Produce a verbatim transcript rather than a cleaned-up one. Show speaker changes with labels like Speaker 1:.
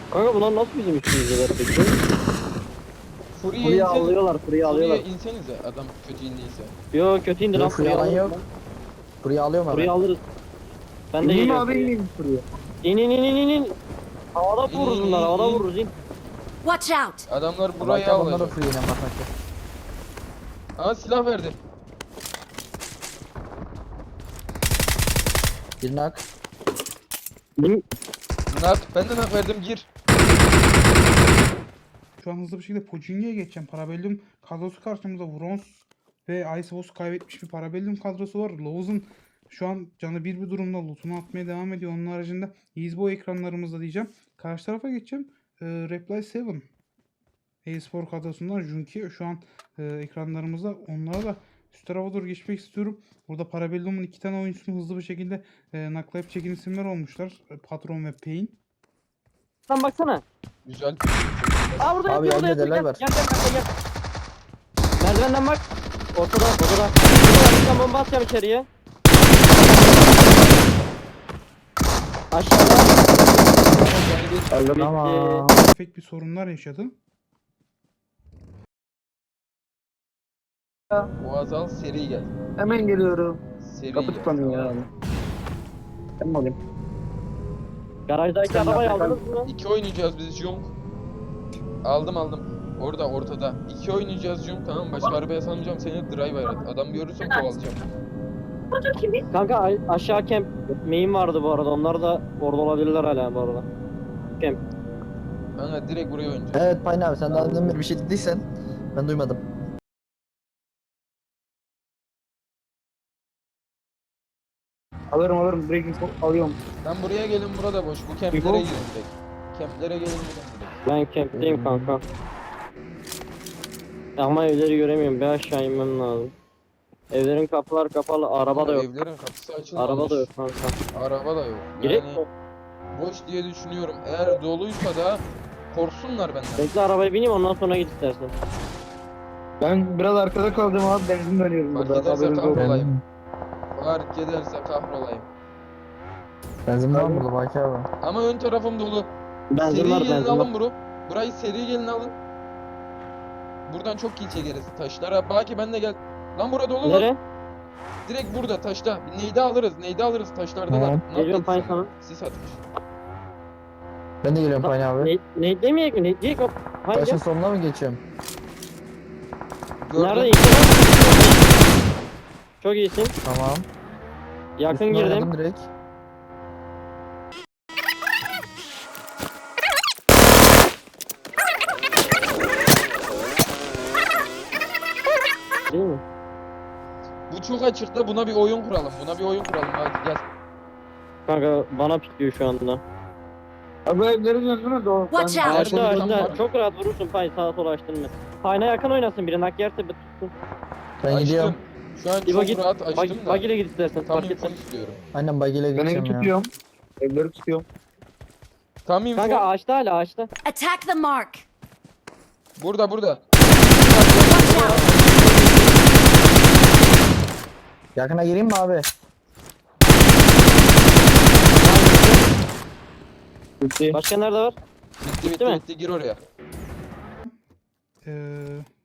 Speaker 1: Kanka bunlar nasıl bizim üstümüzdeler peki?
Speaker 2: Furya
Speaker 1: Furya
Speaker 2: insene.
Speaker 1: alıyorlar, Furya alıyorlar.
Speaker 2: Furya insenize adam kötü indiyse.
Speaker 1: Yo kötü indi lan,
Speaker 3: Yok
Speaker 1: Furya
Speaker 3: yalan
Speaker 1: alırız
Speaker 3: yok.
Speaker 1: lan.
Speaker 3: Burayı alıyorum
Speaker 1: Furya
Speaker 3: hemen.
Speaker 1: alırız. Ben de
Speaker 4: İneyim
Speaker 1: geliyorum
Speaker 4: abi
Speaker 1: Furya.
Speaker 4: ineyim şuraya.
Speaker 1: İn in in in in in. Havada
Speaker 2: İn,
Speaker 1: vururuz
Speaker 2: in,
Speaker 1: bunlar,
Speaker 2: in,
Speaker 1: havada
Speaker 2: in.
Speaker 1: vururuz in.
Speaker 5: Watch out!
Speaker 2: Adamlar burayı
Speaker 3: Buraya onlara
Speaker 2: alacak.
Speaker 3: fırlayacağım bak bak.
Speaker 2: Aa silah verdi.
Speaker 3: Bir nak.
Speaker 1: Bin-
Speaker 2: Nak ben de nak verdim gir.
Speaker 6: Şu an hızlı bir şekilde Pochinki'ye geçeceğim. Parabellum kadrosu karşımızda. Vrons ve Icebox kaybetmiş bir Parabellum kadrosu var. Laws'un şu an canı bir bir durumda lootunu atmaya devam ediyor. Onun haricinde Easeboy ekranlarımızda diyeceğim. Karşı tarafa geçeceğim. Ee, Reply yedi e-spor kadrosundan Junki şu an e, ekranlarımızda. Onlara da üst tarafa doğru geçmek istiyorum. Burada Parabellum'un iki tane oyuncusunu hızlı bir şekilde e, naklayıp çekin isimler olmuşlar. E, Patron ve Pain.
Speaker 1: Lan baksana.
Speaker 2: Güzel.
Speaker 1: Aa burada
Speaker 3: Abi,
Speaker 1: yatıyor, burada
Speaker 3: elde
Speaker 1: yatıyor.
Speaker 3: neler
Speaker 1: Gel
Speaker 3: var?
Speaker 1: gel gel gel. gel. Merdivenden bak. Ortada, odada. Burada bir bomba atacağım içeriye. Aşağıda.
Speaker 3: Öldüm
Speaker 1: Bitti.
Speaker 3: ama.
Speaker 6: Efekt bir sorunlar yaşadı.
Speaker 2: Boğaz al seri gel.
Speaker 4: Hemen geliyorum.
Speaker 2: Seri
Speaker 4: Kapı
Speaker 2: gel.
Speaker 4: tıklanıyor ya. Ben mi alayım?
Speaker 1: Garajdaki
Speaker 4: Sen
Speaker 1: arabayı
Speaker 4: yapma,
Speaker 1: aldınız mı?
Speaker 2: İki oynayacağız biz Jung. Aldım aldım. Orada ortada. İki oynayacağız Jung tamam mı? Başka arabaya salmayacağım seni driver at. Adam görürsem kovalayacağım.
Speaker 1: Kanka a- aşağı camp main vardı bu arada. Onlar da orada olabilirler hala bu arada. Camp.
Speaker 2: Kanka direkt buraya oynayacağız.
Speaker 3: Evet Payne abi sen daha demin bir şey dediysen ben duymadım.
Speaker 4: Alırım alırım. Breaking Point alıyorum.
Speaker 2: Tam buraya gelin burada boş. Bu kemplere
Speaker 4: Yugo.
Speaker 2: gelin direkt. Kemplere gelin direkt.
Speaker 1: Ben camp'teyim kanka. Ama evleri göremiyorum. Bir aşağı inmem lazım. Evlerin kapılar kapalı. Araba da yok.
Speaker 2: Evlerin kapısı açılmamış.
Speaker 1: Araba da yok kanka.
Speaker 2: Araba da yok.
Speaker 1: Girek
Speaker 2: Yani
Speaker 1: mi?
Speaker 2: boş diye düşünüyorum. Eğer doluysa da korksunlar benden.
Speaker 1: Bekle arabaya bineyim, ondan sonra git istersen.
Speaker 4: Ben biraz arkada kaldım abi. Benzin dönüyorum
Speaker 2: Fark
Speaker 4: burada.
Speaker 2: ederse
Speaker 4: Haberiniz olsun.
Speaker 2: kahrolayım. Fark ederse kahrolayım.
Speaker 3: Benzin var mı burada Baki abi?
Speaker 2: Ama ön tarafım dolu.
Speaker 1: Benzin
Speaker 2: Seri
Speaker 1: var,
Speaker 2: gelin
Speaker 1: benzin
Speaker 2: alın
Speaker 1: var.
Speaker 2: bro. Burayı seri gelin alın. Buradan çok kill çekeriz. Taşlara. Baki ben de gel. Lan burada dolu lan.
Speaker 1: Nere?
Speaker 2: Direkt burada taşta. Neydi alırız? Neydi alırız taşlardalar.
Speaker 3: Tamam.
Speaker 2: Ne
Speaker 1: Geliyorum
Speaker 2: yaptın
Speaker 1: Payne sana.
Speaker 2: Sis atmış.
Speaker 3: Ben de geliyorum Payne abi.
Speaker 1: Ne, ne demeyecek mi? Ne diyecek o? Hangi?
Speaker 3: Taşın sonuna mı geçiyorum?
Speaker 2: Gördüm.
Speaker 1: Nerede? İki var. Çok iyisin.
Speaker 3: Tamam.
Speaker 1: Yakın
Speaker 3: Üstüne
Speaker 1: girdim.
Speaker 3: oynadım direkt.
Speaker 1: Değil mi?
Speaker 2: Bu çok açıkta. Buna bir oyun kuralım. Buna bir oyun kuralım. Hadi gel.
Speaker 1: Kanka bana pikliyor şu anda.
Speaker 4: Abi evlerin yanına doğru.
Speaker 5: Watch
Speaker 4: Ben-
Speaker 5: out.
Speaker 2: Her
Speaker 1: Açtı
Speaker 2: şey
Speaker 1: açtı.
Speaker 2: tamam.
Speaker 1: Çok rahat vurursun Pay, sağa sola açtırma. Payna yakın oynasın, biri nak yerse bir tutsun.
Speaker 3: Ben
Speaker 2: Açtım.
Speaker 3: gidiyorum.
Speaker 2: Şu an
Speaker 1: İbo
Speaker 2: çok
Speaker 1: git.
Speaker 2: rahat açtım
Speaker 1: Bag,
Speaker 2: da.
Speaker 1: bag ile git istersen.
Speaker 2: Tam
Speaker 1: Fark
Speaker 2: info
Speaker 1: etmez.
Speaker 2: istiyorum.
Speaker 3: Aynen bagiyle
Speaker 4: Ben evi
Speaker 3: geçeceğim ya.
Speaker 4: tutuyorum. Evleri tutuyorum.
Speaker 2: Tam info.
Speaker 1: Kanka ağaçta hala ağaçta.
Speaker 5: Attack the mark!
Speaker 2: Burada burada.
Speaker 5: Watch out!
Speaker 3: Yakına gireyim mi abi?
Speaker 4: Bitti.
Speaker 1: Başka nerede var?
Speaker 2: Bitti bitti
Speaker 1: Değil mi?
Speaker 2: bitti. Gir oraya.
Speaker 6: Ee,